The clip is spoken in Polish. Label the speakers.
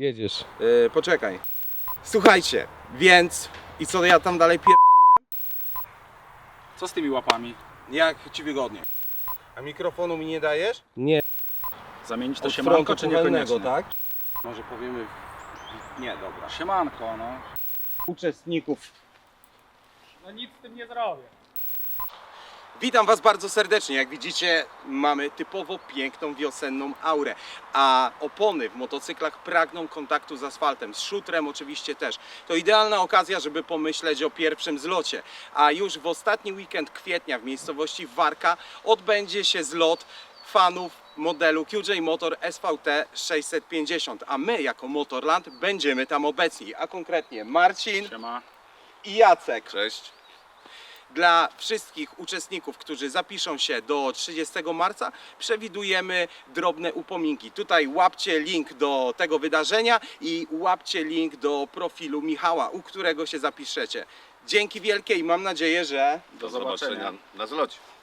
Speaker 1: Jedziesz.
Speaker 2: Poczekaj. Słuchajcie, więc... I co ja tam dalej pierdoliłem?
Speaker 3: Co z tymi łapami?
Speaker 2: Jak ci wygodnie. A mikrofonu mi nie dajesz?
Speaker 1: Nie.
Speaker 3: Zamienić to
Speaker 2: Od
Speaker 3: siemanko
Speaker 2: frontu
Speaker 3: czy
Speaker 2: kuchennego,
Speaker 3: niekoniecznie?
Speaker 2: tak? Może powiemy... Nie, dobra.
Speaker 3: Siemanko, no.
Speaker 2: Uczestników.
Speaker 3: No nic z tym nie zrobię.
Speaker 2: Witam Was bardzo serdecznie. Jak widzicie, mamy typowo piękną wiosenną aurę, a opony w motocyklach pragną kontaktu z asfaltem, z szutrem oczywiście też. To idealna okazja, żeby pomyśleć o pierwszym zlocie, a już w ostatni weekend kwietnia w miejscowości Warka odbędzie się zlot fanów modelu QJ Motor SVT 650, a my jako Motorland będziemy tam obecni, a konkretnie Marcin
Speaker 3: Siema.
Speaker 2: i Jacek. Cześć. Dla wszystkich uczestników, którzy zapiszą się do 30 marca, przewidujemy drobne upominki. Tutaj łapcie link do tego wydarzenia i łapcie link do profilu Michała, u którego się zapiszecie. Dzięki wielkie i mam nadzieję, że
Speaker 3: Do zobaczenia
Speaker 4: na zlocie.